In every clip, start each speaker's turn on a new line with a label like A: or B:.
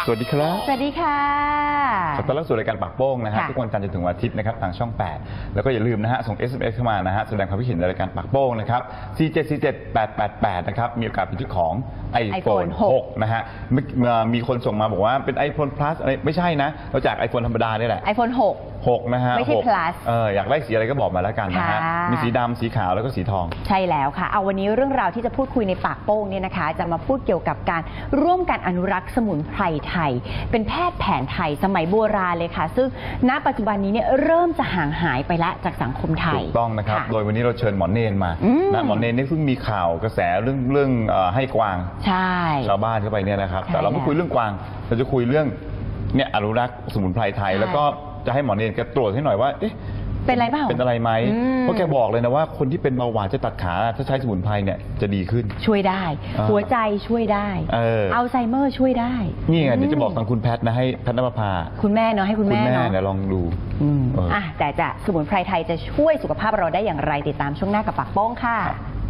A: วัสดีครับ
B: สวัสดีค่ะ
A: ขอต้อนรับสู่รายการปากโป้งนะฮะทุกวันจันทร์จนถึงวันอาทิตย์นะครับทางช่อง 8แล้วก็อย่าลืมนะฮะส่ง SMS เข้ามานะฮะแสดงความคิดเห็นในรายการปากโป้งนะครับ4747888นะครับมีโอกาสเป็นที่ของ iPhone 6นะฮะมีคนส่งมาบอกว่าเป็น iPhone Plus อะไรไม่ใช่นะเราจาก iPhone ธรรมดานี่แหละ
B: iPhone 6
A: นะฮะ
B: ไม่ใช่ Plus
A: อยากได้สีอะไรก็บอกมาแล้วกันนะฮะมีสีดำสีขาวแล้วก็สีทอง
B: ใช่แล้วค่ะเอาวันนี้เรื่องราวที่จะพูดคุยในปากโป้งเนี่ยนะคะจะมาพูดเกี่ยวกับการร่วมกันอนุรักษ์สมุนไพรไทยเป็นแพทย์แผนไทยสมัยโบราณเลยค่ะซึ่งณปัจจุบันนี้เนี่ยเริ่มจะห่างหายไปละจากสังคมไทย
A: ถูกต้องนะครับโดยวันนี้เราเชิญหมอเนนมานะหมอเนนนี่เพิ่งมีข่าวกระแสเรื่องให้กวาง
B: ใช่
A: ชาวบ้านเข้าไปเนี่ยนะครับแต่เราไม่คุยเรื่องกวางเราจะคุยเรื่องเนี่ยอนุรักษ์สมุนไพรไทยแล้วก็จะให้หมอเนนแกตรวจให้หน่อยว่าเอ๊ะ
B: เป็นอะไรบ้าง
A: เป็นอะไรไหมเพราะแกบอกเลยนะว่าคนที่เป็นเบาหวานจะตัดขาถ้าใช้สมุนไพรเนี่ยจะดีขึ้น
B: ช่วยได้หัวใจช่วยได้อัลไซเมอร์ช่วยได้
A: นี่ไงเดี๋ยวจะบอกทางคุณแพทย์นะให้แพทย์นภา
B: คุณแม่เนาะให้คุณแม่เนาะ
A: เดี๋ยวลองดู
B: แต่จะสมุนไพรไทยจะช่วยสุขภาพเราได้อย่างไรติดตามช่วงหน้ากับปากโป้งค่ะ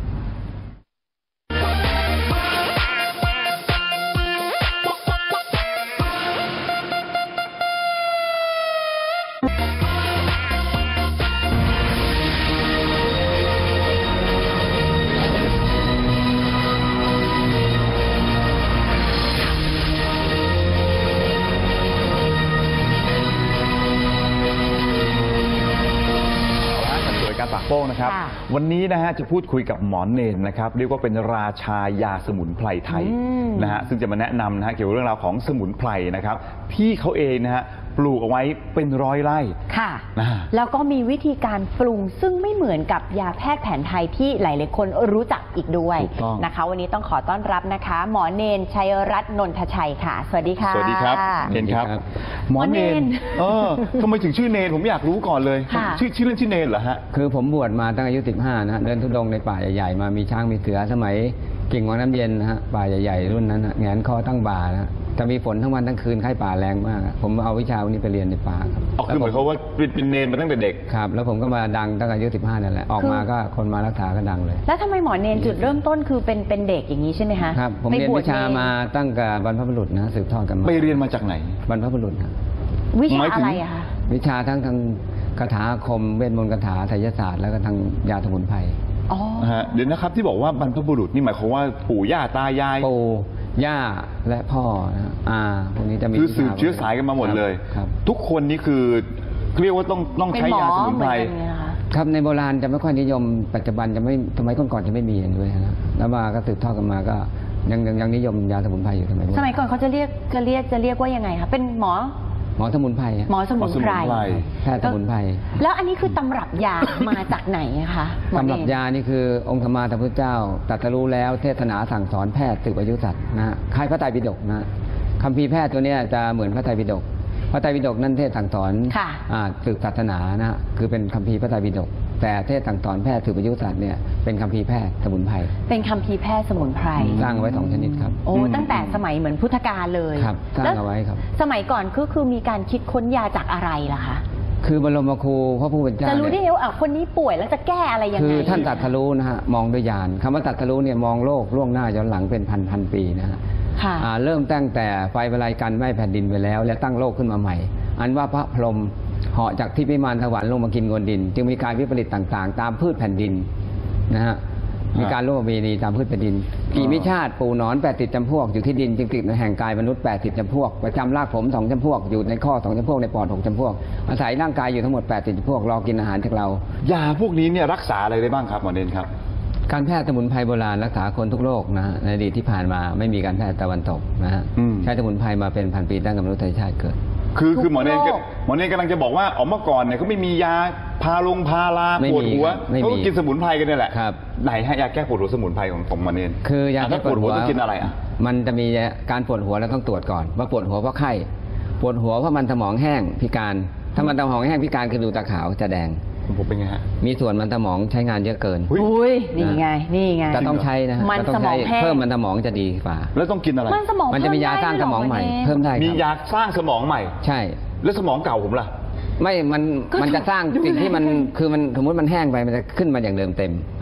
A: ปากโป้งนะครับวันนี้นะฮะจะพูดคุยกับหมอเนนนะครับเรียกว่าเป็นราชายาสมุนไพรไทยนะฮะซึ่งจะมาแนะนำนะฮะเกี่ยวกับเรื่องราวของสมุนไพรนะครับที่เขาเองนะฮะปลูกเอาไว้เป็นร้อยไร่
B: ค่ะแล้วก็มีวิธีการปรุงซึ่งไม่เหมือนกับยาแพทย์แผนไทยที่หลายๆคนรู้จักอีกด้วยนะคะวันนี้ต้องขอต้อนรับนะคะหมอเนนชัยรัตน์นนทชัยค่ะสวัสดีค่ะ
A: สวัสดีครับเนนครับหมอเนนทำไมถึงชื่อเนนผมอยากรู้ก่อนเลยชื่อเล่นชื่อเนนเหรอฮะ
C: คือผมบวชมาตั้งอายุ15นะเดินธุดงค์ในป่าใหญ่ๆมามีช้างมีเสือสมัยกิ่งวังน้ำเย็นนะฮะป่าใหญ่ๆรุ่นนั้นแงนคอตั้งบ่านะจะมีฝนทั้งวันทั้งคืนไข้ป่าแรงมากผมเอาวิชาวันนี้ไปเรียนในป่าครับ
A: คือเหมือนเขาว่าเป็นเนนมาตั้งแต่เด็ก
C: ครับแล้วผมก็มาดังตั้งอายุ15นั่นแหละออกมาก็คนมารักษาก็ดังเลย
B: แล้วทำไมหมอเนนจุดเริ่มต้นคือเป็นเด็กอย่างนี้ใช่ไหมคะ
C: ครับผมเรียนวิชามาตั้งแต่บรรพบุรุษนะสืบทอดกันมา
A: ไปเรียนมาจากไหน
C: บรรพบุรุษครับ
B: วิชาอะไรอะคะ
C: วิชาทั้งคาถาอาคมเวทมนต์คาถาไสยศาสตร์แล้วก็ทางยาสมุนไพร
A: เดี๋ยวนะครับที่บอกว่าบรรพบุรุษนี่หมายความว่าปู่ย่าตายาย
C: ปู่ย่าและพ่อนะพวกนี้จะมี
A: คือสืบเชื้อสายกันมาหมดเลยทุกคนนี่คือเรียกว่าต้องใช้ยาสมุนไพร
C: ครับในโบราณจะไม่ค่อยนิยมปัจจุบันจะไม่สมัยก่อนจะไม่มีอย่างด้วยนะแล้วมาก็สืบทอดกันมาก็ยังนิยมยาสมุนไพรอยู่
B: สมัยก่อนเขาจะเรียกว่ายังไงคะเป็นหมอ
C: สมุนไพร
B: หมอสมุนไพร
C: แพทย์สมุนไพร
B: แล้วอันนี้คือตำรับยามาจากไหนคะ
C: ตำรับยานี่คือองค์ธรรมาสัมพุทธเจ้าตรัสรู้แล้วเทศนาสั่งสอนแพทย์สืบอายุสัตว์นะคล้ายพระไตรปิฎกนะคัมภีร์แพทย์ตัวนี้จะเหมือนพระไตรปิฎกพระไตรปิฎกนั่นเทศสั่งสอนสืบศาสนานะคือเป็นคัมภีร์พระไตรปิฎกแต่เทศสั่งสอนแพทย์สืบอายุสัตว์เนี่ยเป็นคัมภีร์แพทย์สมุนไพร
B: เป็นคัมภีร์แพทย์สมุนไพร
C: สร้างไว้2ชนิดครับ
B: โอ้ตั้งแต่สมัยเหมือนพุทธกาลเลย
C: ครับสร้างเอาไว้ครับ
B: สมัยก่อนก็คือมีการคิดค้นยาจากอะไรล่ะคะ
C: คือบรมครูพระผู้เป็นเจ้า
B: จะรู้ได้ว่าคนนี้ป่วยแล้วจะแก้อะไรยังไง
C: คือท่านตรัสรู้นะฮะมองด้วยญาณคำว่าตรัสรู้เนี่ยมองโลกล่วงหน้าย้อนหลังเป็นพันปีนะฮะเริ่มตั้งแต่ไฟประไลกันไหม้แผ่นดินไปแล้วและตั้งโลกขึ้นมาใหม่อันว่าพระพรหมเหาะจากที่พิมานสวรรค์ลงมากินโงนดินจึงมีการวิปริตต่างๆตามพืชแผ่นดินนะฮะมีการร่วมมีนีตามพืชแผ่นดินกี่มิชาติปูหนอน80จำพวกอยู่ที่ดินจึงติดในแห่งกายมนุษย์80จำพวกประจำรากผม2จำพวกอยู่ในข้อ2จำพวกในปอด6จำพวกอาศัยร่างกายอยู่ทั้งหมด80จำพวกรอกินอาหารจากเรา
A: ยาพวกนี้เนี่ยรักษาอะไรได้บ้างครับหมอเนนครับ
C: การแพทย์สมุนไพรโบราณรักษาคนทุกโรคนะในอดีตที่ผ่านมาไม่มีการแพทย์ตะวันตกนะฮะใช้สมุนไพรมาเป็นพันปีตั้งแต่มนุษยชาติเกิด
A: คือหมอเนนกำลังจะบอกว่าเมื่อก่อนเนี่ยเขาไม่มียาพาราปวดหัวเขากินสมุนไพรกันนี่แหละไหนฮะยาแก้ปวดหัวสมุนไพรของหมอเนน
C: คือยาแก้ปวดหัว
A: ต้องกินอะไรอ่ะ
C: มันจะมีการปวดหัวแล้วต้องตรวจก่อนว่าปวดหัวเพราะไข้ปวดหัวเพราะมันสมองแห้งพิการถ้ามันสมองแห้งพิการคือดูตาขาวจะแดง
A: ผมเป็นไงฮะ
C: มีส่วนมันสมองใช้งานเยอะเกิน
B: อุ้ยนี่ไงจะ
C: ต้องใช้นะ
B: มันสมองแห้ง
C: เพิ่มมันสมองจะดีกว่า
A: แล้วต้องกินอะไร
C: มันจะมียาสร้างสมองใหม่เพิ่มได้
A: มียาสร้างสมองใหม่
C: ใช่
A: แล้วสมองเก่าผมล่ะ
C: ไม่มันจะสร้างสิ่งที่มันคือมันสมมติมันแห้งไปมันจะขึ้นมาอย่างเดิมเต็ม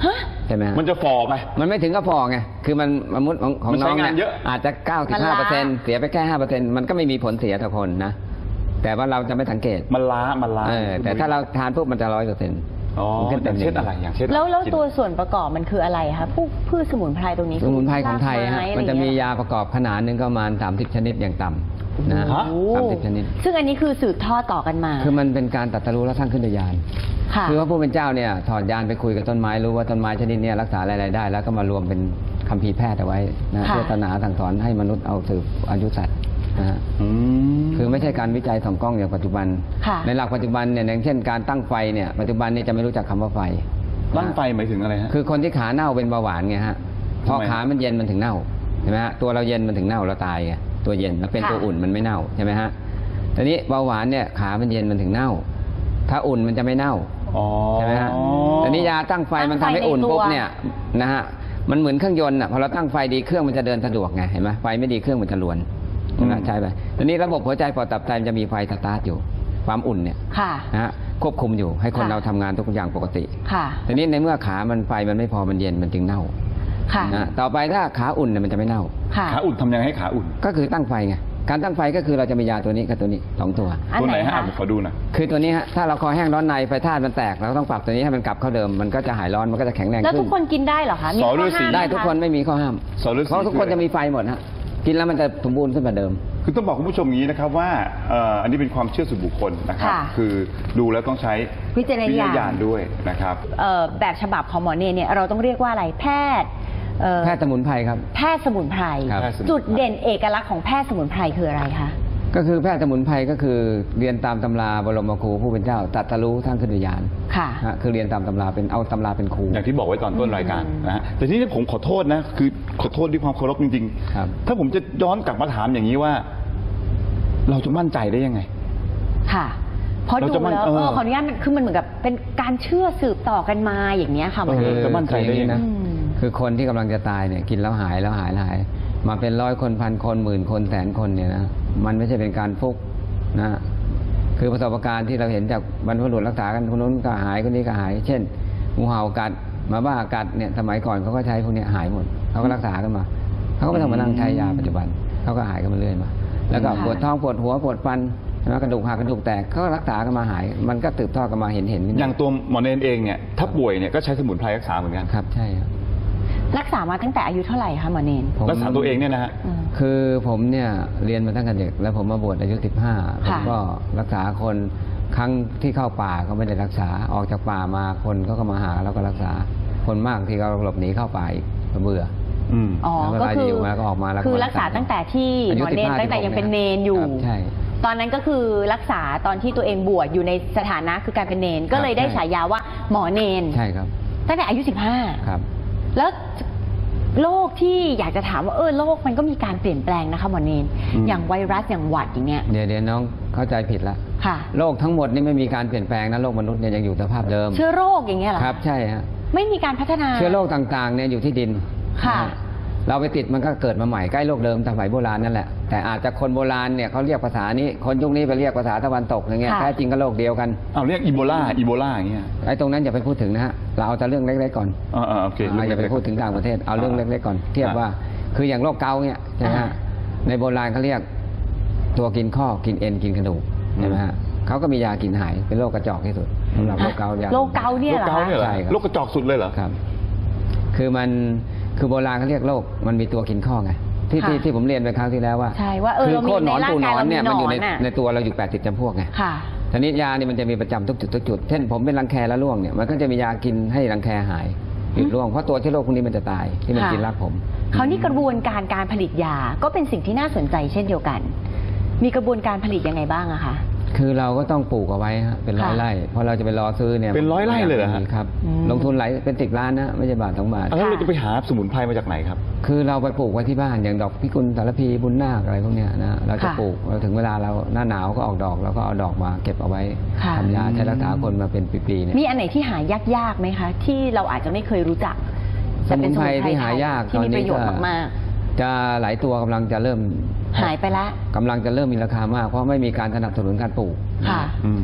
C: ใช่ไหม
A: มันจะฝ่อไป
C: มันไม่ถึงกับพอไงคือมันมุดของ
A: มัน
C: น้
A: ใช้
C: อง
A: งานเย
C: เนี่
A: อะ
C: ยอาจจะ 95%เสียไปแค่ 5%มันก็ไม่มีผลเสียต่อคนนะแต่ว่าเราจะไม่สังเกต
A: มันล้า
C: แต่ถ้าเราทานปุ๊บมันจะ100%
A: อ๋ออย่างเช่นอะไรอย่างเช่น
B: แล้วตัวส่วนประกอบมันคืออะไรคะพวกพืชสมุนไพรตรงนี้
C: สมุนไพรของไทย
B: ราก
C: ฮะ
B: ไอ
C: มันจะ
B: ไร
C: มี
B: เงี้
C: ยาประกอบขนาดหนึงก็ประมาณ30 ชนิดอย่างต่ำนะ
A: ฮะ
C: 30 ชนิด
B: ซึ่งอันนี้คือสืบทอดต่อกันมา
C: คือมันเป็นการตรัสรู้และสร้างขึ้นโดยญาณ
B: ค่ะ
C: คือว่าผู้เป็นเจ้าเนี่ยถอดญาณไปคุยกับต้นไม้รู้ว่าต้นไม้ชนิดเนี้รักษาอะไรๆได้ แล้วก็มารวมเป็นคัมภีร์แพทย์เอาไว้นะ
B: ค่ะ
C: เพื่อตระหนักสั่งสอนให้มนุษย์เอาสืบอายุสัตว์นะฮะ
A: ม
C: คือไม่ใช่การวิจัยส่องกล้องอย่างปัจจุบัน
B: ค่ะ
C: ในหลักปัจจุบันเนี่ยอย่างเช่นการตั้งไฟเนี่ยปัจจุบันนี้จะไม่รู้จักคำว่าไฟ
A: ตั้งไฟหมายถึงอะไรฮะ
C: คือคนที่ขาเน่าเป็นเบาหวานไงฮะพอ
A: ทำไม
C: ขามันเย็นมันถึงเน่าใช่ไหมฮะตัวเราเย็นมันถึงเน่าเราตายไงตัวเย็นแล้วเป็น
B: ค่ะ
C: ตัวอุ่นมันไม่เน่าใช่ไหมฮะทีนี้เบาหวานเนี่ยขามันเย็นมันถึงเน่า ถ้าอุ่นมันจะไม่เน่า
A: อ๋อ
C: ใช่ไหมฮะแต่นี้ยาตั้งไฟมันทำให้อุ่นปุ๊บเนี่ยนะฮะมันเหมือนเครื่องยนต์อ่ะพอเราตั้งไฟดีเครื่องมันจะเดินสะดวกไงเห็นไหมไฟไม่ดีเครื่องมันจะรวนใช่ไหมใช่ไหมทีนี้ระบบหัวใจปอดตับไตมันจะมีไฟสตาร์ทอยู่ความอุ่นเนี่ย
B: ค่ะ
C: นะฮะควบคุมอยู่ให้คน
B: ค่ะ
C: เราทำงานทุกอย่างปกติ
B: ค่ะ
C: ทีนี้ในเมื่อขามันไฟมันไม่พอมันเย็นมันจึงเน่า
B: ค่ะ
C: นะต่อไปถ้าขาอุ่นเนี่ยมันจะไม่เน่า
B: ค่ะ
A: ขาอุ่นทำยังไงให้ขาอุ่น
C: ก็คือตั้งไฟไงการตั้งไฟก็คือเราจะมียาตัวนี้กับตัวนี้2 ตัว
B: อัน
A: ตัว
B: ไห
A: ไห
B: น
A: นฮะ
B: คะ
A: ผมขอดูหน่อย
C: คือตัวนี้ฮะถ้าเราคอแห้งร้อนในไฟธาตุมันแตกเราก็ต้องปรับตัวนี้ให้มันกลับเข้าเดิมมันก็จะหายร้อนมันก็จะแข็งแรง
B: แล้ว
C: ขึ้
B: ทุ
C: น
B: กคนกินได้เหรอคะมี
A: สอ
B: ข้อ
A: ฤาษี
B: ห้ามหม
C: ได้ทุกคนไม่มีข้อห้าม
A: สอฤาษี
C: เพราะทุกคนจะมีไฟหมดฮะกินแล้วมันจะสมบูรณ์ขึ้นกว่าเดิม
A: คือต้องบอกคุณผู้ชมอย่างนี้นะครับว่าอันนี้เป็นความเชื่อส่วนบุคคลนะครับ
B: ค่ะ
A: คือดูแล้วต้องใช้
B: วิจารณญาณ
A: ด้วยนะครับ
B: แบบฉบับของหมอเนเนี่ยเราต้องเรียกว่าอะไรแพทย์
C: แพทย์สมุนไพรครับ
B: แพทย์สมุนไพร
C: ครับ
B: จุดเด่นเอกลักษณ์ของแพทย์สมุนไพรคืออะไรคะ
C: ก็คือแพทย์สมุนไพรก็คือเรียนตามตำราบรมครูผู้เป็นเจ้าตรัสรู้ทั้งขึ้นวิญญาณ
B: ค่ะ
C: ฮะคือเรียนตามตำราเป็นเอาตำราเป็นครู
A: อย่างที่บอกไว้ตอนต้นรายการนะฮะแต่ทีนี้ผมขอโทษนะคือขอโทษด้วยความเคารพจริง
C: ครับ
A: ถ้าผมจะย้อนกลับมาถามอย่างนี้ว่า เราจะมั่นใจได้ยังไง
B: ค่ะเพราะ
A: เรา
B: ดู
A: จะมั่น
B: แล้ว
A: เออ
B: ขออนุญาตมันคือมันเหมือนกับเป็นการเชื่อสืบต่อกันมาอย่างเนี้ยค่ะหมอเน
A: จะมั่นใจได้ยังไง
C: นะ
B: อืม
C: คือคนที่กำลังจะตายเนี่ยกินแล้วหายแล้วหายแล้วหาย มาเป็น100 คน1,000 คน10,000 คน100,000 คนเนี่ยนะมันไม่ใช่เป็นการฟุกนะคือประสบการณ์ที่เราเห็นจากบรรพบุรุษรักษากันคนนู้นก็หายคนนี้ก็หาย เช่นงูเห่ากัดหมาบ้ากัดเนี่ยสมัยก่อนเขาก็ใช้พวกเนี้ยหายหมดเขาก็รักษากันมาเขาก็ไม่ต้องมานั่งใช้ยาปัจจุบันเขาก็หายกันมาเรื่อยมา แล้วก็
B: ค่ะ
C: ปวดท้องปวดหัวปวดฟันใช่ไหมกระดูกหักกระดูกแตกเขาก็รักษากันมาหาย มันก็สืบทอดกันมาเห็น
A: อย่างตัวหมอเนนเองเนี่ยถ้าป่วยเนี่ยก็ใช้สมุนไพรรักษาเหมือนกัน
C: ครับใช่ครับ
B: รักษามาตั้งแต่อายุเท่าไหร่คะหมอเนน
C: ผม
A: รักษาตัวเองเนี่ยนะฮะ
B: อืม
C: คือผมเนี่ยเรียนมาตั้งแต่เด็กแล้วผมมาบวชอายุ15ผมก็รักษาคนครั้งที่เข้าป่าก็ไม่ได้รักษาออกจากป่ามาคนก็มาหาแล้วก็รักษาคนมากที่เขาหลบหนีเข้าป่าอีกก็เบื่อ
A: อืม
B: อ๋อ
C: แล้วเว
B: ก็
C: ลา
B: คือ
C: อยู่มาก็ออกมาแล้วก็
B: คือ
C: มารั
B: รั
C: ก
B: ก
C: ษา
B: ษาตั้งแต่ที่ห
C: อายุ
B: มอเนน
C: 15
B: ตั้งแต่ยังเป็นเนนอยู่
C: ครับใช่
B: ตอนนั้นก็คือรักษาตอนที่ตัวเองบวชอยู่ในสถานะคือการเป็นเนน ก็เลยได้
C: ใช่
B: ฉายาว่าหมอเนน
C: ใช่ครับ
B: ตั้งแต่อายุ
C: ครับ
B: 15 แล้วโรคที่อยากจะถามว่าโรคมันก็มีการเปลี่ยนแปลงนะคะหมอเนน
A: อืม
B: อย่างไวรัสอย่างหวัดอย่างเงี้ย
C: เดี๋ยวน้องเข้าใจผิดละ
B: ค่ะ
C: โลกทั้งหมดนี่ไม่มีการเปลี่ยนแปลงนะโลกมนุษย์เนี่ยยังอยู่สภาพเดิม
B: เชื้อโรคอย่างเงี้ยเหรอ
C: ครับใช่ฮะ
B: ไม่มีการพัฒนา
C: เชื้อโรคต่างๆเนี่ยอยู่ที่ดิน
B: ค่ะ
C: นฮเราไปติดมันก็เกิดมาใหม่ใกล้โลกเดิมสมัยโบราณนั่นแหละแต่อาจจะคนโบราณเนี่ยเขาเรียกภาษานี้คนยุคนี้ไปเรียกภาษาตะวันตกอย่างเงี้ย
B: ค่ะ
C: แท้จริงก็โลกเดียวกัน
A: เอาเรียกอีโบลาอย่างเงี้ย
C: ไอ้ตรงนั้นอย่าไปพูดถึงนะฮะเราเอาแต่เรื่องเล็กๆก่อน
A: โอเค
C: อย่าไปพูดถึงต่างประเทศเอาเรื่องเล็กๆก่อนเทียบว่าคืออย่างโรคเกาต์เนี่ยใช่ไหมฮะในโบราณเขาเรียกตัวกินข้อกินเอ็นกินกระดูกใช่ไหมฮะเขาก็มียากินหายเป็นโรคกระจอกที่สุดสำหรับโรคเกาต์ยา
B: โรคเกาต์เนี่ย
A: โรค
B: เหรอ
A: เกาต์เนี่ยเหรอ
C: ใช่ครับ
A: โรคกระจอกสุดเลยเหรอ
C: ครับ คือมันคือโบราณเขาเรียกโรคมันมีตัวกินข้อไงที่ผมเรียนไปครั้งที่แล้วว่า
B: ใช่ว่า
C: คือ
B: เรามี
C: โคตรหนอน
B: ในร่าง
C: ปูหน
B: กาย
C: อน
B: เรามี
C: เนี่ยมันอยู่
B: หนอนน่ะ
C: ในตัวเราอยู่80จำพวกไง
B: ค่ะ
C: ทีนี้ยานี่มันจะมีประจำทุกจุดเช่นผมเป็นรังแคแล้วร่วงเนี่ยมันก็จะมียากินให้รังแคหายหยุดร่วงเพราะตัวเชื้อโรคพวกนี้มันจะตายที่มัน
B: ค่ะ
C: กินรากผม
B: คราวนี้กระบวนการผลิตยาก็เป็นสิ่งที่น่าสนใจเช่นเดียวกัน มีกระบวนการผลิตยังไงบ้างอะคะ
C: คือเราก็ต้องปลูกเอาไว้ฮะเป็นร้อย
B: ค่ะ
C: ไร่เพราะเราจะไปรอซื้อเนี่ย
A: เป็น100 ไร่เลยเหรอฮะ
C: ครับ
B: อืม
C: ลงทุนหลายเป็น10 ล้านนะไม่ใช่บาท2 บาท
A: แล้วเราจะไปหาสมุนไพรมาจากไหนครับ
C: คือเราไปปลูกไว้ที่บ้านอย่างดอกพิกุลสารพีบุญนาคอะไรพวกเนี้ยนะเราจะ
B: ค่ะ
C: ปลูกเราถึงเวลาเราหน้าหนาวก็ออกดอกเราก็เอาดอกมาเก็บเอาไว้
B: ค่ะ
C: ทำยาใช้รักษาคนมาเป็นปีๆเนี่ย
B: มีอันไหนที่หายากๆไหมคะ ที่เราอาจจะไม่เคยรู้จัก
C: สมุนไพรที่หายาก
B: ที่
C: ตอน
B: มีป
C: นี้
B: ระโยชน์มาก
C: จะหลายตัวกำลังจะเริ่ม
B: ๆ หายไปแล้ว
C: กำลังจะเริ่มมีราคามากเพราะไม่มีการสนับสนุนการปลูก
B: ค่ะ
A: อืม
C: คือ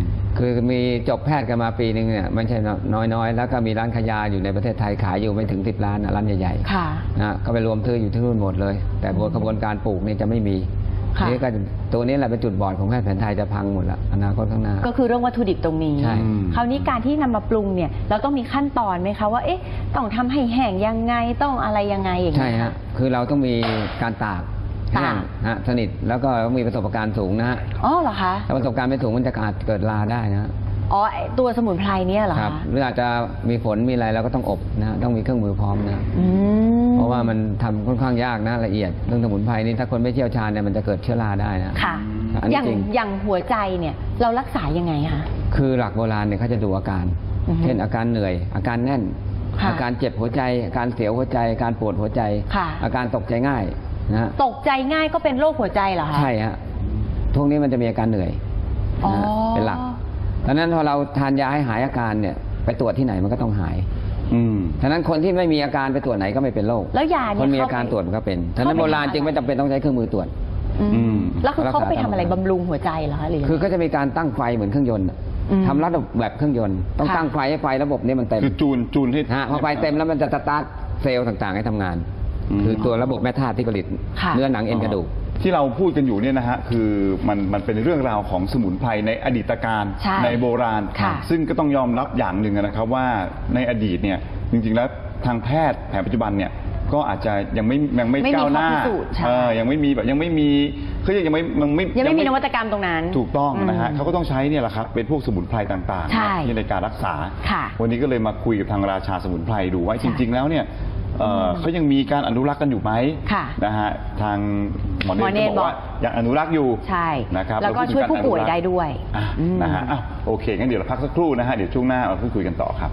C: คือมีจบแพทย์กันมาปีหนึ่งเนี่ยไม่ใช่น้อยๆแล้วก็มีร้านขายยาอยู่ในประเทศไทยขายอยู่ไม่ถึง10 ล้านร้านใหญ่ๆนะก็ไปรวมซื้ออยู่ที่นู่นหมดเลยแต่กระบวนการปลูกนี่จะไม่มีนี่ก็ตัวนี้แหละเป็นจุดบอดของแพทย์แผนไทยจะพังหมดละอนาคตข้างหน้า
B: ก็คือเรื่องวัตถุดิบตรงนี้คราวนี้การที่นำมาปรุงเนี่ยเราต้องมีขั้นตอนไหมคะว่าต้องทำให้แห้งยังไงต้องอะไรยังไงอย่างนี้
C: ใช่ฮะคือเราต้องมีการตากแห้งสนิทแล้วก็มีประสบการณ์สูงนะฮะ
B: อ๋อเหรอคะ
C: ถ้าประสบการณ์ไม่สูงมันจะอาจเกิดราได้นะ
B: อ๋อตัวสมุนไพรเนี่ยเหรอคะ
C: หรืออาจจะมีฝนมีอะไรเราก็ต้องอบนะต้องมีเครื่องมือพร้อมนะเพราะว่ามันทำค่อนข้างยากนะละเอียดเรื่องสมุนไพรนี่ถ้าคนไม่เชี่ยวชาญเนี่ยมันจะเกิดเชื้อราได้นะ
B: ค่ะอย่างหัวใจเนี่ยเรารักษายังไงคะ
C: คือหลักโบราณเนี่ยเขาจะดูอาการเช่นอาการเหนื่อยอาการแน่นอาการเจ็บหัวใจอาการเสียวหัวใจอาการปวดหัวใจอาการตกใจง่ายนะ
B: ตกใจง่ายก็เป็นโรคหัวใจเหรอคะ
C: ใช่ฮะพวกนี้มันจะมีอาการเหนื่อยเป็นหลักดังนั้นพอเราทานยาให้หายอาการเนี่ยไปตรวจที่ไหนมันก็ต้องหายฉะนั้นคนที่ไม่มีอาการไปตรวจไหนก็ไม่เป็นโรค
B: แล้วยาเนี่ย
C: คนมีอาการตรวจมันก็เป็นฉะนั้นโบราณจึงไม่จำเป็นต้องใช้เครื่องมือตรวจ
B: แล้วคือเขาไปทำอะไรบำรุงหัวใจเหรอคะหรือ
C: คือก็จะมีการตั้งไฟเหมือนเครื่องยนต์ทำระบบแบบเครื่องยนต์ต้องตั้งไฟให้ไฟระบบนี้มันเต็ม
A: คือจูนให้
C: พอไฟเต็มแล้วมันจะสตาร์ทเซลล์ต่างๆให้ทำงานคือตัวระบบแม่ธาตุที่ผลิตเนื้อหนังเอ็นกระดูก
A: ที่เราพูดกันอยู่เนี่ยนะฮะคือมันเป็นเรื่องราวของสมุนไพรในอดีตการในโบราณซึ่งก็ต้องยอมรับอย่างหนึ่งนะครับว่าในอดีตเนี่ยจริงๆแล้วทางแพทย์แผนปัจจุบันเนี่ยก็อาจจะยังไม่ก้าวหน้ายังไม่มีแบบยังไม่มีเขายังไม่
B: มีนวัตกรรมตรงนั้น
A: ถูกต้องนะฮะเขาก็ต้องใช้เนี่ยแหละครับเป็นพวกสมุนไพรต่างๆในการรักษาวันนี้ก็เลยมาคุยกับทางราชาสมุนไพรดูว่าจริงๆแล้วเนี่ยเขายังมีการอนุรักษ์กันอยู่ไหมนะฮะทางหมอเนตบอกว่ายังอนุรักษ์อยู่
B: นะครับแล้วก็ช่วยผู้ป่วยได้ด้วย
A: นะฮะโอเคงั้นเดี๋ยวเราพักสักครู่นะฮะเดี๋ยวช่วงหน้าเราพูดคุยกันต่อครับ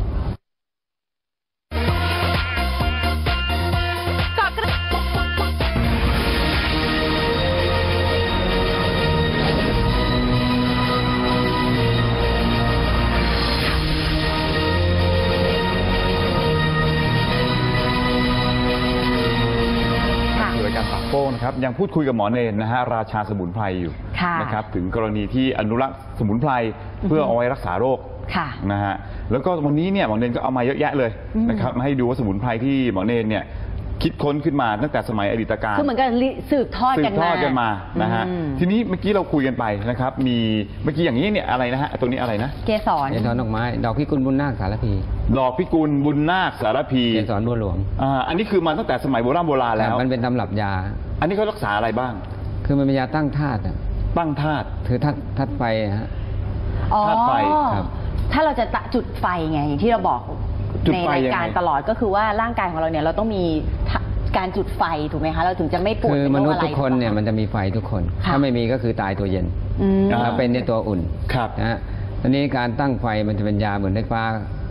A: นะครับยังพูดคุยกับหมอเนรนะฮะราชาสมุนไพรอยู่นะครับถึงกรณีที่อนุรักษ์สมุนไพรเพื่อเอาไว้รักษาโรคนะฮะแล้วก็วันนี้เนี่ยหมอเนรก็เอามาเยอะแยะเลยนะครับมาให้ดูว่าสมุนไพรที่หมอเนรเนี่ยคิดค้นขึ้นมาตั้งแต่สมัยอดีตการ
B: คือเหมือนกับสืบทอดกัน
A: มานะฮะทีนี้เมื่อกี้เราคุยกันไปนะครับมีเมื่อกี้อย่างนี้เนี่ยอะไรนะฮะตรงนี้อะไรนะ
B: เกสร
C: ดอกไม้ดอกพิกุลบุญนาคสารพี
A: ดอกพิกุลบุญนาคสารพี
C: เกสรบัวหลวง
A: อันนี้คือมาตั้งแต่สมัยโบราณแล้ว
C: มันเป็นตำรับยา
A: อันนี้เขารักษาอะไรบ้าง
C: คือมันเป็นยาตั้งธาตุ
A: ตั้งธาตุ
C: คือธาตุไฟฮะ
B: ธาตุไฟครับถ้าเราจะจุดไฟไงอย่างที่เราบอกในรายการตลอดก็คือว่าร่างกายของเราเนี่ยเราต้องมีการจุดไฟถูกไหมคะเราถึงจะไม่ปวด
C: คือมนุษย์ทุกคนเนี่ยมันจะมีไฟทุกคนถ้าไม่มีก็คือตายตัวเย็นถ้าเป็นในตัวอุ่นนะฮะทีนี้การตั้งไฟมันจะเป็นยาเหมือนไฟฟ้า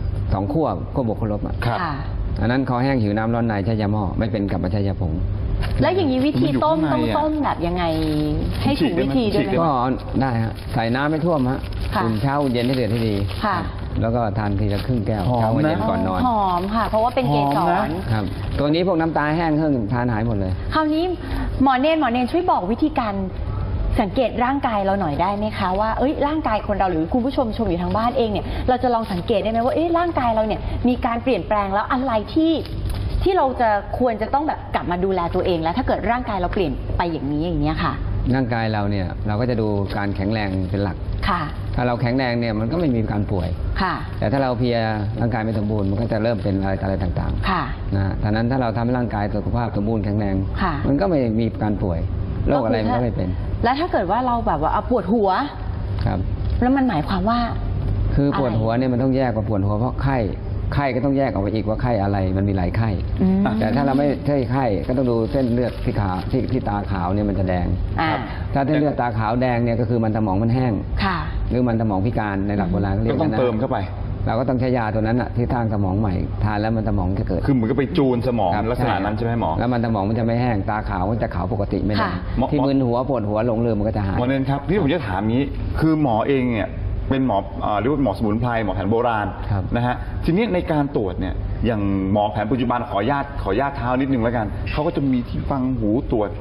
C: 2 ขั้วบวกขั้วลบอันนั้นคอแห้งหิวน้ำร้อนในใช้ยาหม้อไม่เป็นกับใช้ยาผง
B: แล้วอย่างนี้วิธีต้มต้องต้มแบบยังไงให้ถูกวิธีด้วยไหม
C: ก็ได้ฮะใส่น้ำไม่ท่วมฮะอุ่นเช้าอุ่นเย็นให้เดือดให้ดีแล้วก็ทานทีละครึ่งแก้วเช้าเย็นก่อนนอน
B: หอมค่ะเพราะว่าเป็นเกสร
C: ครับตัวนี้พวกน้ำตาแห้งเครื่องทานหายหมดเลย
B: คราวนี้หมอเนรช่วยบอกวิธีการสังเกตร่างกายเราหน่อยได้ไหมคะว่าร่างกายคนเราหรือคุณผู้ชมอยู่ทางบ้านเองเนี่ยเราจะลองสังเกตได้ไหมว่าร่างกายเราเนี่ยมีการเปลี่ยนแปลงแล้วอะไรที่เราจะควรจะต้องแบบกลับมาดูแลตัวเองแล้วถ้าเกิดร่างกายเราเปลี่ยนไปอย่างนี้ค่ะ
C: ร่างกายเราเนี่ยเราก็จะดูการแข็งแรงเป็นหลัก
B: ค่ะ
C: ถ้าเราแข็งแรงเนี่ยมันก็ไม่มีการป่วย
B: ค่ะ
C: แต่ถ้าเราเพลียร่างกายไม่สมบูรณ์มันก็จะเริ่มเป็นอะไรต่าง
B: ๆค่ะ
C: นะฉะนั้นถ้าเราทำให้ร่างกายสุขภาพสมบูรณ์แข็งแรงมันก็ไม่มีการป่วยโรคอะไรมันก็ไม่เป็น
B: แล้วถ้าเกิดว่าเราแบบว่าปวดหัว
C: ครับ
B: แล้วมันหมายความว่า
C: คือปวดหัวเนี่ยมันต้องแยกว่าปวดหัวเพราะไข้ก็ต้องแยกออกไปอีกว่าไข้อะไรมันมีหลายไข้แต่ถ้าเราไม่ใช่ไข้ก็ต้องดูเส้นเลือดที่ขาที่ตาขาวเนี่ยมันจะแดงถ้าเส้นเลือดตาขาวแดงเนี่ยก็คือมันสมองมันแห้งหรือมันสมองพิการในหลักโบราณ
A: ก็ต้องเติมเข้าไป
C: เราก็ต้องใช้ยาตัวนั้นที่สร้างสมองใหม่ทานแล้วมันสมองจะเกิด
A: คือเหมือนก็ไปจูนสมองลักษณะนั้นใช่ไหมหมอ
C: แล้วมันสมองมันจะไม่แห้งตาขาวมันจะขาวปกติไม่แดงที่มึนหัวปวดหัวหลงลืมมันก็จะหาย
A: หมอเนรครับที่ผมจะถามนี้คือหมอเองเนี่ยเป็นหมอเรียกว่าหมอสมุนไพรหมอแผนโบราณนะฮะทีนี้ในการตรวจเนี่ยอย่างหมอแผนปัจจุบันขอญาตเท้านิดนึงแล้วกันเขาก็จะมีที่ฟังหูตรวจ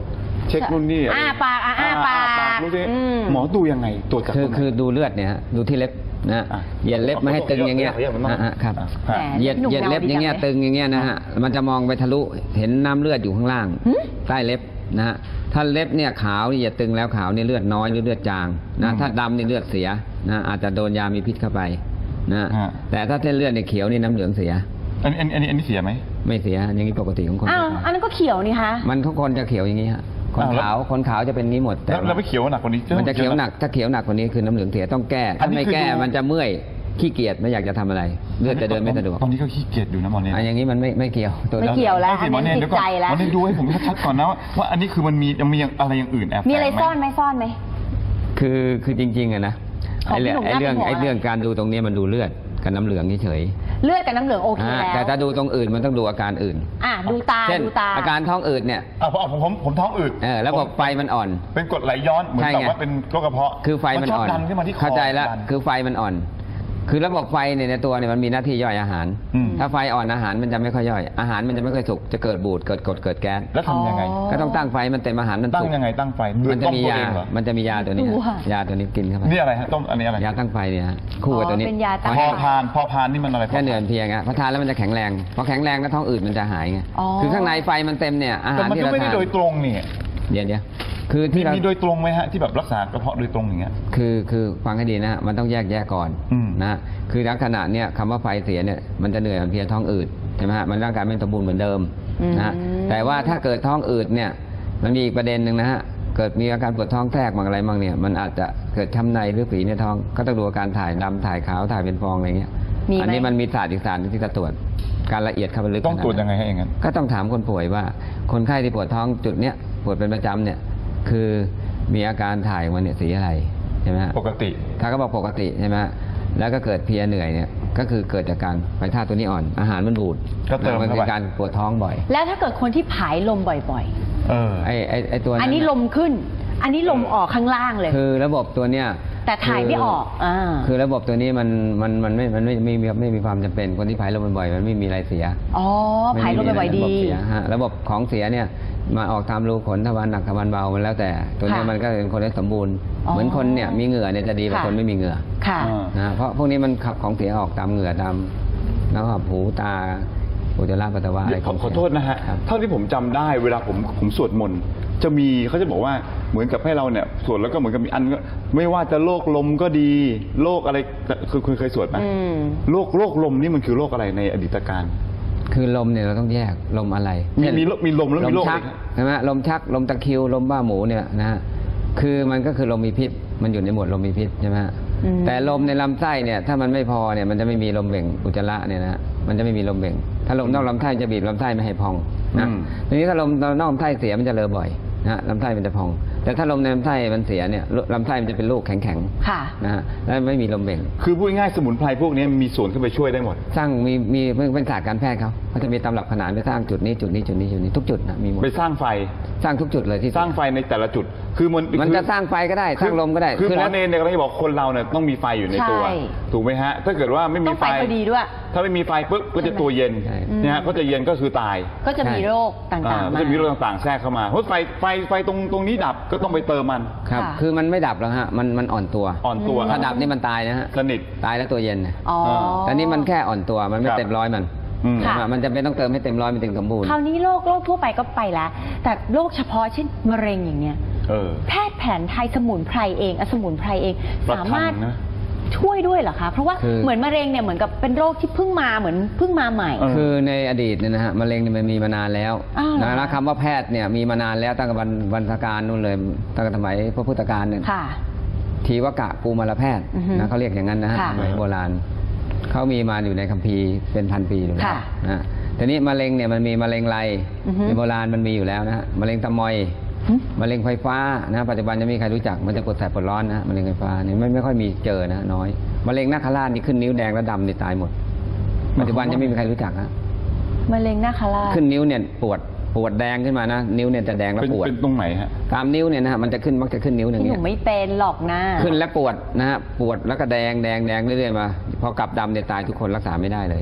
A: เช็คนู่นนี่
B: ปากปาก
A: รู้สิหมอดูยังไงตรวจจากตรงไหน
C: คือดูเลือดเนี่ยฮะดูที่เล็บนะเหยียดเล็บไม่ให้ตึงอย่างเงี้ยครับเหยียดเล็บอย่างเงี้ยตึงอย่างเงี้ยนะฮะมันจะมองไปทะลุเห็นน้ำเลือดอยู่ข้างล่างใต้เล็บนะฮะถ้าเล็บเนี่ยขาวนี่อย่าตึงแล้วขาวนี่เลือดน้อยหรือเลือดจางนะถ้าดำนี่เลือดเสียนะอาจจะโดนยามีพิษเข้าไปนะแต่ถ้าเส้นเลือดเนี่ยเขียวนี่น้ำเหลืองเสีย
A: อันนี้เสียไหม
C: ไม่เสียอย่างนี้ปกติของคน
B: อันนั้นก็เขียวนี่คะ
C: มันทุกคนจะเขียวอย่างนี้ฮะคนขาวจะเป็นงี้หมด
A: แต่เราไม่เขียวหนักกว่านี้
C: มันจะเขียวหนักถ้าเขียวหนักกว่านี้คือน้ำเหลืองเสียต้องแก้ถ้าไม่แก้มันจะเมื่อยขี้เกียจไม่อยากจะทำอะไรเลือดจะเดินไม่สะดวก
A: ตอนนี้ก็ขี้เกียจอยู่นะหมอเนี่ย
C: อย่างนี้มันไม่เกี่ยว
B: ไม่เกี่ยวแล้วอันนี้ติดใจแล้ว
A: หมอเนี่ยดูให้ผมชัดๆก่อนนะว่าอันนี้คือมันมีอะไรอย่างอื่นแอบ
B: มีอะไรซ่อนไหม
C: คือจริงๆอะนะไอ้เรื่องการดูตรงนี้มันดูเลือดกับน้ำเหลืองเฉย
B: เลือดกับน้ำเหลืองโอเคแล้ว
C: แต่ถ้าดูตรงอื่นมันต้องดูอาการอื่น
B: ดูตา
C: อาการท้องอืดเนี่ย
A: ผมท้องอืด
C: แล้วบอกไฟมันอ่อน
A: เป็นกรดไหลย้อนเหมือนกับว่าเป็นโรคกระเพาะ
C: คือไฟมันอ่อนเข้าใจแล้วคือไฟมันอ่อนคือระบบไฟในตัวเนี่ยมันมีหน้าที่ย่อยอาหารถ้าไฟอ่อนอาหารมันจะไม่ค่อยย่อยอาหารมันจะไม่ค่อยสุกจะเกิดบูดเกิดกรดเกิดแก๊ส
A: แล้วทำยังไง
C: ก็ต้องตั้งไฟมันเต็มอาหารมัน
A: ตั้งยังไงตั้งไฟ
C: มันจะมียาตัวนี้ยาตัวนี้กินเข้าไป
A: นี่อะไรฮะต้มอันนี้อะไร
C: ยาตั้งไฟเนี่ยคู่กับตัวนี้
A: พอพานนี่มันอะไร
C: แค่เดือนเพียงพอทานแล้วมันจะแข็งแรงพอแข็งแรงแล้วท้องอืดมันจะหายไงคือข้างในไฟมันเต็มเนี่ยอาหารที่เราทาน
A: มันไม่ได้โดยตรงนี่
C: เดี๋ยวคือที่
A: มีโดยตรงไหมฮะที่แบบรักษากระเพาะโดยตรงอย่างเงี้ย
C: คือฟังให้ดีนะฮะมันต้องแยกแยะก่อนนะคือลักษณะเนี่ยคำว่าไฟเสียเนี่ยมันจะเหนื่อยเพลียท้องอืดใช่ไหมฮะมันร่างกายไม่สมบูรณ์เหมือนเดิมนะแต่ว่าถ้าเกิดท้องอืดเนี่ยมันมีอีกประเด็นหนึ่งนะฮะเกิดมีอาการปวดท้องแทรกบางอะไรบางเนี่ยมันอาจจะเกิดช้ำในหรือฝีในท้องก็ต้องดูอาการถ่ายดำถ่ายขาวถ่ายเป็นฟองอะไรเงี้ยอันนี้มันมีศาสตร์อีกศาสตร์ที่จะตรวจการละเอียดเข้าไปลึก
A: ต้องตรวจยังไงให้อย่างนั้น
C: ก็ต้องถามคนป่วยว่าคนไข้ที่ปวดท้องจุดเนี้ยปวดเป็นประจำเนี่ยคือมีอาการถ่ายมันเนี่ยสีอะไรใช่ไหม
A: ปกติ
C: ถ้าก็บอกปกติใช่ไหมแล้วก็เกิดเพลียเหนื่อยเนี่ยก็คือเกิดจากการไฟธาตุตัวนี้อ่อนอาหารมันบูด
A: ก็เติม
C: มันเป็นการปวดท้องบ่อย
B: แล้วถ้าเกิดคนที่ผายลมบ่อย
C: ๆไอตัว
B: อันนี้ลมขึ้นอันนี้ลมออกข้างล่างเลย
C: คือระบบตัวเนี้ย
B: แต่ถ่ายไม่ออก
C: คือระบบตัวนี้มันไม่มีความจำเป็นคนที่ผายลมบ่อยๆมันไม่มีอะไรเสีย
B: ผายลมบ่อยๆดี
C: ระบบของเสียเนี่ยมาออกตามรูขนทวารหนักทวารเบามันแล้วแต่ตัวนี้มันก็เป็นคนที่สมบูรณ์เหมือนคนเนี่ยมีเหงื่อเนี่ยจะดีกว่าคนไม่มีเหงื่อนะเพราะพวกนี้มันขับของเสียออกตามเหงื่อตามแล้วก็หูตาอุจจาระปัสสาวะอะไร
A: ขอโทษนะฮะเท่าที่ผมจำได้เวลาผมสวดมนต์จะมีเขาจะบอกว่าเหมือนกับให้เราเนี่ยสวดแล้วก็เหมือนกับมีอันไม่ว่าจะโรคลมก็ดีโรคอะไรคือคุณเคยสวดไหมโรคลมนี่มันคือโรคอะไรในอดีตการ
C: คือลมเนี่ยเราต้องแยกลมอะไร
A: มีลมแล้วมีโรค
C: ใช่ไหมลมชักลมตะคริวลมบ้าหมูเนี่ยนะคือมันก็คือลมมีพิษมันอยู่ในหมวดลมมีพิษใช่ไหมแต่ลมในลำไส้เนี่ยถ้ามันไม่พอเนี่ยมันจะไม่มีลมเบ่งอุจจาระเนี่ยนะมันจะไม่มีลมเบ่งถ้าลมนอกลำไส้จะบีบลำไส้ไม่ให้พองนะทีนี้ถ้าลมนอกลำไส้เสียมันจะเลอะบ่อยนะลำไส้มันจะพองแต่ถ้าลมในลำไส้มันเสียเนี่ยลำไส้มันจะเป็นลูกแข็งๆนะฮะแล้วไม่มีลมเบ่ง
A: คือพูดง่ายสมุนไพรพวกนี้มีส่วนเข้าไปช่วยได้หมด
C: สร้างมีเป็นศาสตร์การแพทย์เขาจะมีตำรับขนานไปสร้างจุดนี้ทุกจุดนะมีหมด
A: ไปสร้างไฟ
C: สร้างทุกจุดเลยที่
A: สร้างไฟในแต่ละจุดคือ
C: มันจะสร้างไฟก็ได้สร้างลมก็ได้
A: คือหมอเนรเนี่ยก็ที่บอกคนเราเนี่ยต้องมีไฟอยู่ในตัวถูกไหมฮะถ้าเกิดว่าไม่มีไฟ
B: ดีด้วย
A: ถ้าไม่มีไฟปุ๊บก็จะตัวเย็นนะฮะก็จะเย็นก็คือตาย
B: ก็จะมีโรคต่างๆ
A: ก็จะมีโรคต่างๆแทรกเข้ามาเพราะไฟตรงนี้ดับก็ต้องไปเติมมัน
C: ครับคือมันไม่ดับหรอกฮะมันอ่อนตัวถ้าดับนี่มันตายนะฮะ
A: สนิท
C: ตายแล้วตัวเย็นแต่นี่มันแค่อ่อนตัวมันไม่เต็มร้อยมันจะไม่ต้องเติมให้เต็มร้อยมันถึงสมบูรณ์
B: คราวนี้โรคทั่วไปก็ไปแล้วแต่โรคเฉพาะเช่นมะเร็งอย่างเนี้ยแพทย์แผนไทยสมุนไพรเองสมุนไพรเองสามารถช่วยด้วยเหรอคะเพราะว่าเหมือนมะเร็งเนี่ยเหมือนกับเป็นโรคที่เพิ่งมาใหม่
C: คือในอดีตเนี่ยนะฮะมะเร็งเนี่ยมันมีมานานแล้วนะคำว่าแพทย์เนี่ยมีมานานแล้วตั้งแต่วรรณกาลนู่นเลยตั้งแต่สมัยพระพุทธกาลเนี่ยทีวกะกุมารแพทย์นะเขาเรียกอย่างนั้นนะฮะสมัยโบราณเขามีมาอยู่ในคัมภีร์เป็นพันปีอยู่แล้วนะทีนี้มะเร็งเนี่ยมันมีมะเร็งไรในโบราณมันมีอยู่แล้วนะมะเร็งตะมอยมะเร็งไฟฟ้านะปัจจุบันจะมีใครรู้จักมันจะปวดแสบปวดร้อนนะมะเร็งไฟฟ้าเนี่ยไม่ค่อยมีเจอนะน้อยมะเร็งนาคราชนี่ขึ้นนิ้วแดงและดำนี่ตายหมดปัจจุบันจะไม่มีใครรู้จักนะ
B: มะเร็งนาคราช
C: ขึ้นนิ้วเนี่ยปวดแดงขึ้นมานะนิ้วเนี่ยจะแดงแล้วปวด
A: เป็นตรงไหนฮะ
C: ตามนิ้วเนี่ยนะฮะมันจะขึ้นมักจะขึ้นนิ้วหนึ่งเนี่ย
B: หนูไม่เป็นหรอกนะ
C: ขึ้นแล้วปวดนะฮะปวดแล้วก็แดงเรื่อยๆมาพอกลับดำเนี่ยตายทุกคนรักษาไม่ได้เลยนะ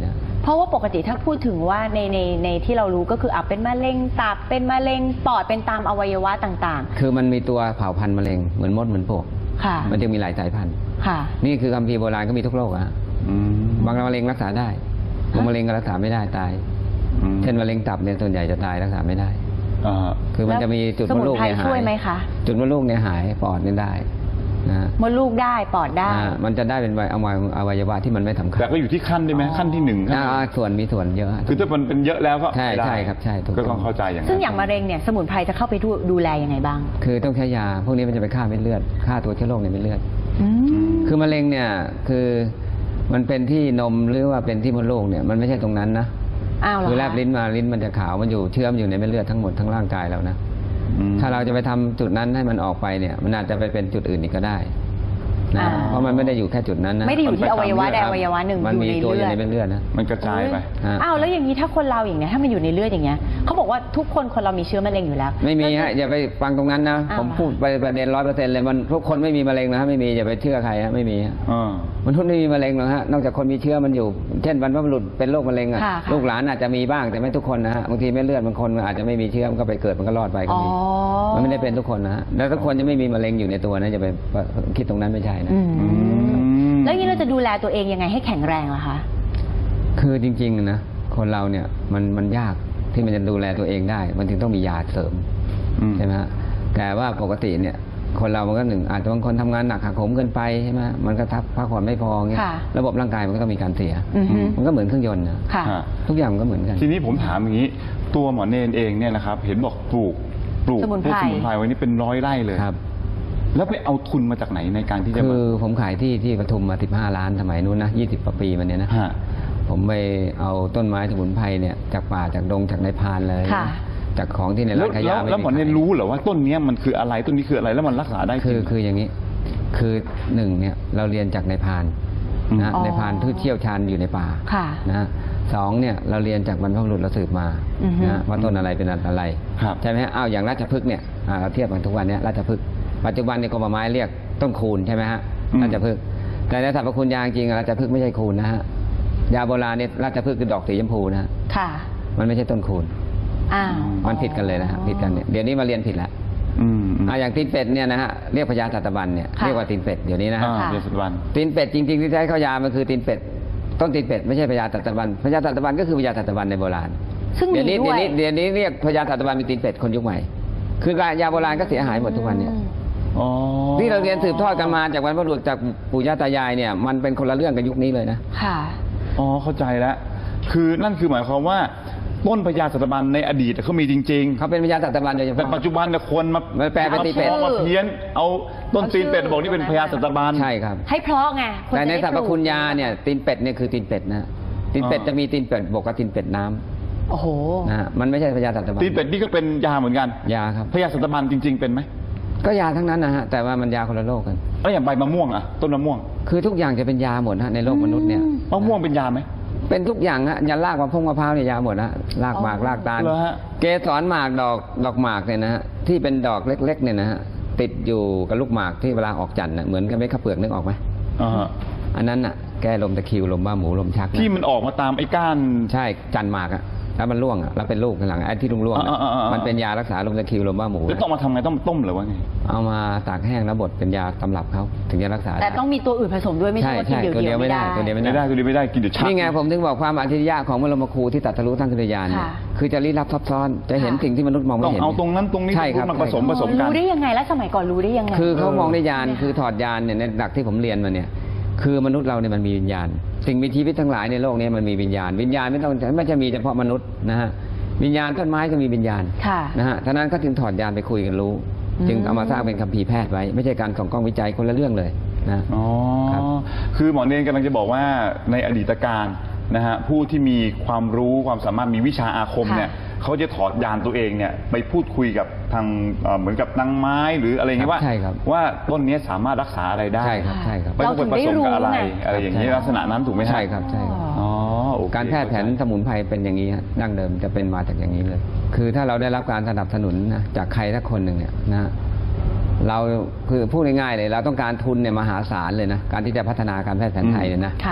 B: เพราะว่าปกติถ้าพูดถึงว่าในที่เรารู้ก็คือเป็นมะเร็งตับเป็นมะเร็งปอดเป็นตามอวัยวะต่างๆ
C: คือมันมีตัวเผ่าพันธุ์มะเร็งเหมือนมดเหมือนปลวกมันจึงมีหลายสายพันธุ์นี่คือคัมภีร์โบราณก็มีทุกโรคอะบางมะเร็งรักษาได้บางมะเร็งก็รักษาไม่ได้ตายเช่นมะเร็งตับเนี่ยส่วนใหญ่จะตายรักษาไม่ได้คือมันจะมีจุดมดลูกเนี่ยหายจุดมดลูกเนี่ยหายปอดเนี่ยได้นะ
B: มดลูกได้ปอดได้
C: มันจะได้เป็นอวัยวะที่มันไม่สำคัญ
A: แต่ก็อยู่ที่ขั้นได้ไหมขั้นที่หนึ่ง
C: ส่วนมีส่วนเยอะ
A: คือถ้ามันเป็นเยอะแล้วก็
C: ใช่ครับใช่
A: ก็ต้องเข้าใจอย่างนั้น
B: ซึ่งอย่างมะเร็งเนี่ยสมุนไพรจะเข้าไปดูแลยังไงบ้าง
C: คือต้องใช้ยาพวกนี้มันจะไปฆ่าเม็ดเลือดฆ่าตัวเชื้อโรคในเม็ดเลือดคือมะเร็งเนี่ยคือมันเป็นที่นมหรือว่าเป็นที่มดลูกเนี่ยมันไม่ใช่ตรงนั้นนะคือแลบลิ้นมาลิ้นมันจะขาวมันอยู่เชื่อมอยู่ในเม็ดเลือดทั้งหมดทั้งร่างกายแล้วนะถ้าเราจะไปทำจุดนั้นให้มันออกไปเนี่ยมันอาจจะไปเป็นจุดอื่นอีกก็ได้นะเพราะมันไม่ได้อยู่แค่จุดนั้นนะ
B: ไม่ได้อยู่ที่อวัยวะใดอวัยวะหนึ่ง
C: มันมีตัวอยู่ในเลือดนะ
A: มันกระจายไป
B: แล้วอย่างนี้ถ้าคนเราอย่างเนี้ยถ้ามันอยู่ในเลือดอย่างเงี้ยเขาบอกว่าทุกคนเรามีเชื้อมะเร็งอยู่แล้ว
C: ไม่มีฮะอย่าไปฟังตรงนั้นนะผมพูดไปประเด็น100%เลยมันทุกคนไม่มีมะเร็งนะไม่มีอย่าไปเชื่อใครฮะไม่มีมันทุกไม่มีมะเร็งหรอกฮะนอกจากคนมีเชื้อมันอยู่เช่นบรรพบุรุษเป็นโรคมะเร็งอ่ะลูกหลานอาจจะมีบ้างแต่ไม่ทุกคนนะฮะบางทีเม็ดเลือดบางคนอาจจะไม่มีเชื้อมันก็ไปเกิดมันก็รอดไปก็มีมันไม่ได้เป็นทุกคนนะแล้วทุกคนจะไม่มีมะเร็งอยู่ในตัวนะอย่าไปคิดตรงนั้นไม่ใช่นะ
B: แล้วนี้เราจะดูแลตัวเองยังไงให้แข็งแรงล่ะคะ
C: คือจริงๆนะคนเราเนี่ยมันยากที่มันจะดูแลตัวเองได้มันถึงต้องมียาเสริมใช่ไหมแต่ว่าปกติเนี่ยคนเรามันก็อาจจะบางคนทำงานหนักหักโหมเกินไปใช่ไหมมันก็พักผ่อนไม่พอเงี้ยระบบร่างกายมันก็มีการเสียมันก็เหมือนเครื่องยนต์นะทุกอย่างมันก็เหมือนกัน
A: ทีนี้ผมถามอย่างนี้ตัวหมอเนรเองเนี่ยนะครับเห็นบอกปลูก
B: สมุน
A: ไพรไว้นี่เป็น100 ไร่เลยแล้วไปเอาทุนมาจากไหนในการที่จะ
C: คือผมขายที่ปทุมมา15 ล้านสมัยนู้นนะ20 กว่าปีมาเนี้ยนะผมไปเอาต้นไม้สมุนไพรเนี่ยจากป่าจากดงจากในพานเลยจากของที่ในร้านขายยา
A: แล้วหมอเนี่ยรู้เหรอว่าต้นนี้มันคืออะไรต้นนี้คืออะไรแล้วมันรักษาได้
C: คืออย่างนี้คือ1เนี่ยเราเรียนจากในพานนะในพานที่เชี่ยวชาญอยู่ในป่านะ2เนี่ยเราเรียนจากบรรพบุรุษเราสืบมานะว่าต้นอะไรเป็นอะไรใช่ไหมฮะอย่างราชพฤกษ์เนี่ยเราเทียบกันทุกวันนี้ราชพฤกษ์ปัจจุบันในกรมไม้เรียกต้นคูณใช่ไหมฮะราชพฤกษ์แต่ในสรรพคุณยาจริงราชพฤกษ์ไม่ใช่คูณนะฮะยาโบราณเนี่ยราชพฤกษ์คือดอกสีชมพูนะค่ะมันไม่ใช่ต้นคูณมันผิดกันเลยนะฮะผิดกันเนี่ยเดี๋ยวนี้มาเรียนผิดแล้วอย่างตีนเป็ดเนี่ยนะฮะเรียกพญาสัตบันเนี่ยเรียกว่าตีนเป็ดเดี๋ยวนี้นะฮะตีนเป็ดจริงๆที่ใช้เข้ายามันคือตีนเป็ดต้นตีนเป็ดไม่ใช่พญาสัตบันพญาสัตบันก็คือพญาสัตบันในโบราณเดี๋ยวนี้เรียกพญาสัตบันเป็นตีนเป็ดคนยุคใหม่คือยาโบราณก็เสียหายหมดทุกวันเนี่ยที่เราเรียนสืบทอดกันมาจากบรรพบุรุษจากปู่ย่าตายายเนี่ยมันเป็นคนละเรื่องกับยุคนี้เลยนะ
B: ค่ะ
A: เข้าใจแล้วคือนั่นคือหมายความว่าต้นพญาสัตบันในอดีตเขามีจริงๆ
C: เขาเป็นพญาสัตบันโดยเฉพาะ
A: แต่ปัจจุบันเนี่ยคนมา
C: แปลเป็นตีเป็ด
A: มาเพี้ยนเอาต้นตีนเป็ดบอกนี่เป็นพญาสัตบัน
C: ใช่ครับ
B: ให้เพราะไง
C: แต่ในสรรพคุณยาเนี่ยตีนเป็ดเนี่ยคือตีนเป็ดนะตีนเป็ดจะมีตีนเป็ดบกกับตีนเป็ดน้
B: ำโอ้โห
C: นะมันไม่ใช่พญาสัตบัน
A: ตีนเป็ดนี่ก็เป็นยาเหมือนกัน
C: ยาครับ
A: พญาสัตบันจริงๆเป็นไหม
C: ก็ยาทั้งนั้นนะฮะแต่ว่ามันยาคนละโรคกัน
A: แล้วอย่างใบมะม่วงอะต้นมะม่วง
C: คือทุกอย่างจะเป็นยาหมดฮะในโลกมนุษย์เนี่ย
A: มะม่วงเป็นยาไหม
C: เป็นทุกอย่างฮะยันรากมะพร้าวเนี่ยยาหมดนะรากหมากรากตาลเกสรหมากดอกหมากเนี่ยนะฮะที่เป็นดอกเล็กๆเนี่ยนะฮะติดอยู่กับลูกหมากที่เวลาออกจันทร์เหมือนกับเม็ดข้าวเปลือกนึกออกไหมอันนั้นน่ะแก้ลมตะคริวลมบ้าหมูลมชัก
A: ที่มันออกมาตามไอ้ก้าน
C: ใช่จันหมากอะแล้วมันร่วงแล้วเป็นลูกข้างหลังไอ้ที่ร่วงมันเป็นยารักษาลมตะคริวลมบ้าหมู
A: แล้วต้องมาทำไงต้องต้มหรือว่าไง
C: เอามาตากแห้งแล้วบดเป็นยาตำรับเขาถึงจะรักษา
B: แต่ต้องมีตัวอื่นผสมด้วยไม่ใช่ว่ากินเดียวไม่ได้
C: ตัวเดียวไม่
A: ได้กินเดี๋ยวชัก
C: นี่ไงผมถึงบอกความอัจฉริยะของบรมครูที่ตรัสรู้ทั้งกัลยาณเนี่ยคือจะลี้ลับซับซ้อนจะเห็นสิ่งที่มนุษย์มองไม่เห็น
A: ต้องเอาตรงนั้นตรงนี้มาผสมกัน
B: รู้ได้ยังไงแล้วสมัยก่อนรู้ได้ยังไง
C: คือเขามองได้ญาณคือถอดญาณเนี่ยในหลักที่ผมเรียนมาเนี่ยคือมนุษย์เราเนี่ยมันมีวิญญาณสิ่งมีชีวิตทั้งหลายในโลกนี้มันมีวิญญาณไม่จะมีเฉพาะมนุษย์นะฮะวิญญาณต้นไม้ก็มีวิญญาณนะฮะท่านั้นก็ถึงถอดญาณไปคุยกันรู้จึงเอามาสร้างเป็นคัมภีร์แพทย์ไว้ไม่ใช่การส่องกล้องวิจัยคนละเรื่องเลยนะ
A: คือหมอเนรกำลังจะบอกว่าในอดีตการนะฮะผู้ที่มีความรู้ความสามารถมีวิชาอาคมเนี่ยเขาจะถอดยานตัวเองเนี่ยไปพูดคุยกับทางเหมือนกับนางไม้หรืออะไรเงี้ยว่าต้นนี้สามารถรักษาอะไรได้
C: ใช่ครับ
A: ไม่ต้องไปผสมกับอะไรอย่างนี้ลักษณะนั้นถูกไหม
C: ใช่ครับการแพทย์แผนสมุนไพรเป็นอย่างนี้ดั้งเดิมจะเป็นมาจากอย่างนี้เลยคือถ้าเราได้รับการสนับสนุนนะจากใครสักคนหนึ่งเนี่ยนะเราคือพูดง่ายๆเลยเราต้องการทุนเนี่ยมหาศาลเลยนะการที่จะพัฒนาการแพทย์แผนไทยเลยนะ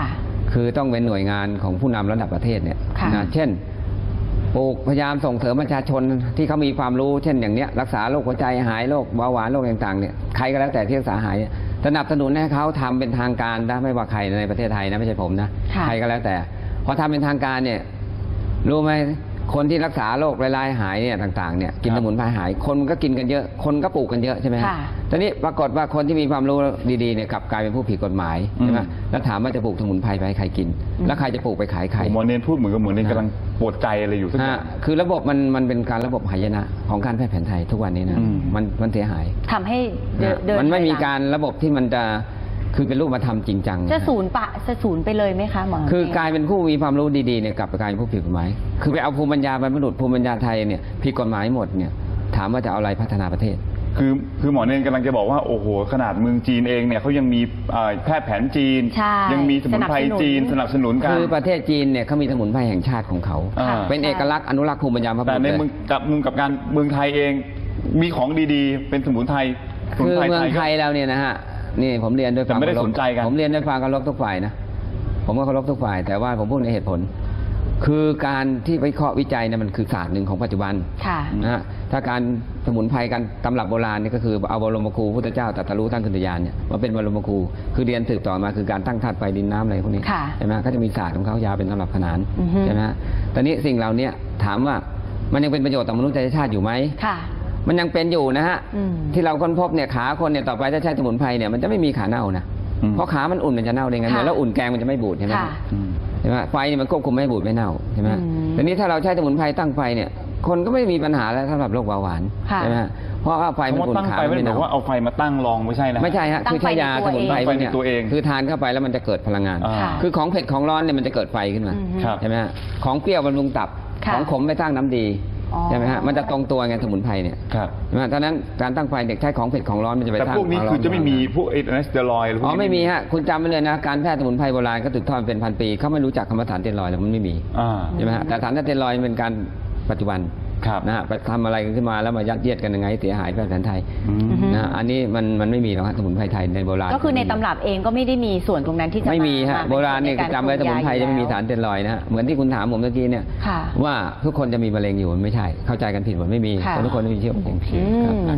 C: คือต้องเป็นหน่วยงานของผู้นำระดับประเทศเนี่ยนะเช่นปลูกพยายามส่งเสริมประชาชนที่เขามีความรู้เช่นอย่างเนี้ยรักษาโรคหัวใจหายโรคเบาหวานโรคต่างๆเนี่ยใครก็แล้วแต่ที่รักษาหายสนับสนุนให้เขาทำเป็นทางการนะไม่ว่าใครในประเทศไทยนะไม่ใช่ผมนะใครก็แล้วแต่พอทำเป็นทางการเนี่ยรู้ไหมคนที่รักษาโรคร้ายๆหายเนี่ยต่างๆเนี่ยกินสมุนไพรหายคนก็กินกันเยอะคนก็ปลูกกันเยอะใช่ไหมฮะตอนนี้ปรากฏว่าคนที่มีความรู้ดีๆเนี่ยกลับกลายเป็นผู้ผิดกฎหมายใช่ไหมแล้วถามว่าจะปลูกสมุนไพรไปให้ใครกินแล้วใครจะปลูกไปขายใคร
A: หมอเนนพูดเหมือนกับเหมือนเนนกำลังปวดใจอะไรอยู่สักอย่าง
C: คือระบบมันเป็นการระบบหายนะของการแพทย์แผนไทยทุกวันนี้นะมันเสียหาย
B: ทำให้เดิน
C: มันไม่มีการระบบที่มันจะคือเป็นรูปธรรมจริงจัง
B: จะศูนย์ไปเลยไหมคะหมอ
C: คือกลายเป็นผู้มีความรู้ดีๆเนี่ยกลับกลายเป็นผู้ผิดกฎหมายคือไปเอาภูมิปัญญาบรรพบุรุษภูมิปัญญาไทยเนี่ยผิดกฎหมายหมดเนี่ยถามว่าจะเอาอะไรพัฒนาประเทศ
A: คือหมอเนนกำลังจะบอกว่าโอ้โหขนาดเมืองจีนเองเนี่ยเขายังมีแพทย์แผนจีนยังมีสมุนไพรจีนสนับสนุนกัน
C: คือประเทศจีนเนี่ยเขามีสมุนไพรแห่งชาติของเขาเป็นเอกลักษณ์อนุรักษ์ภูมิปัญญาบรรพบุรุษ
A: แต่ในมุมกับการเมืองไทยเองมีของดีๆเป็นสมุนไพร
C: คือเมืองไทยเราเนี่ยนะฮะนี่ผมเรียนด้วยความ
A: ไม่ได้สนใจกัน
C: ผมเรียนด้วยความเคารพทุกฝ่ายนะผมก็เคารพทุกฝ่ายแต่ว่าผมพูดในเหตุผลคือการที่วิเคราะห์วิจัยเนี่ยมันคือศาสตร์หนึ่งของปัจจุบันนะฮะถ้าการสมุนไพรการตำรับโบราณนี่ก็คือเอาบรมครูพุทธเจ้าตรัสรู้ตั้งขึ้นญาณเนี่ยมาเป็นบรมครูคือเรียนสืบต่อมาคือการตั้งธาตุไฟดินน้ำอะไรพวกนี้ใช่ไหมก็จะมีศาสตร์ของเขายาวเป็นตำรับขนานใช่ไหมตอนนี้สิ่งเหล่านี้ถามว่ามันยังเป็นประโยชน์ต่อมนุษยชาติอยู่ไหมมันยังเป็นอยู่นะฮะที่เราค้นพบเนี่ยขาคนเนี่ยต่อไปถ้าใช้สมุนไพรเนี่ยมันจะไม่มีขาเน่านะเพราะขามันอุ่นมันจะเน่าได้ไงแล้วอุ่นแกงมันจะไม่บูดใช่ไหมใช่ไหมไฟมันควบคุมไม่บูดไม่เน่าใช่ไหมแต่นี้ถ้าเราใช้สมุนไพรตั้งไฟเนี่ยคนก็ไม่มีปัญหาแล้วสำหรับโรคเบาหวานใช่ไหมเพราะว่าไฟมันอุ่นขา
A: ไม่ได้บอกว่าเอาไฟมาตั้งรองไม่ใช่นะ
C: ไม่ใช่ฮะคือใช้ยาสมุนไพรเนี่ยคือทานเข้าไปแล้วมันจะเกิดพลังงานคือของเผ็ดของร้อนเนี่ยมันจะเกิดไฟขึ้นมาใช่ไหมของเปรี้ยวบำรุงตับของขมไม่สร้างน้ำดีใช่ไหมฮะมันจะตรงตัวไงสมุนไพรเนี่ยเพราะนั้นการตั้งไฟเด็กใช้ของเผ็ดของร้อนมันจะไปสร้าง
A: แต่พวกนี้คือจะไม่มีพวกสเตียรอยด์หรือ
C: ไม่มีฮะคุณจำไว้เลยนะการแพทย์สมุนไพรโบราณก็ถึกทอดเป็นพันปีเขาไม่รู้จักคำว่าสารสเตียรอยด์มันไม่มีใช่ไหมฮะแต่สารสเตียรอยด์เป็นการปัจจุบันนะฮะไปทำอะไรกันขึ้นมาแล้วมายัดเยียดกันยังไงเสียหายแพทย์แผนไทยนะอันนี้มันไม่มีหรอกสมุนไพรไทยในโบราณ
B: ก็คือในตำรับเองก็ไม่ได้มีส่วนตรงนั้นที่จะ
C: ไม่มีฮะโบราณเนี่ยจำไว้สมุนไพรจะไม่มีสารสเตียรอยด์นะเหมือนที่คุณถามผมเมื่อกี้เนี่ยว่าทุกคนจะมีมะเร็งอยู่มันไม่ใช่เข้าใจกันผิดหมดไม่มีทุกคนไม่มีเชื้อมะเร็ง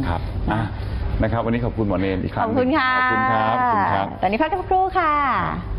A: นะครับวันนี้ขอบคุณหมอเนนอีกครั้ง
B: ขอบคุณค่ะ
A: ขอบคุณครับ
B: ตอนนี้พักกันสักครู่ค่ะ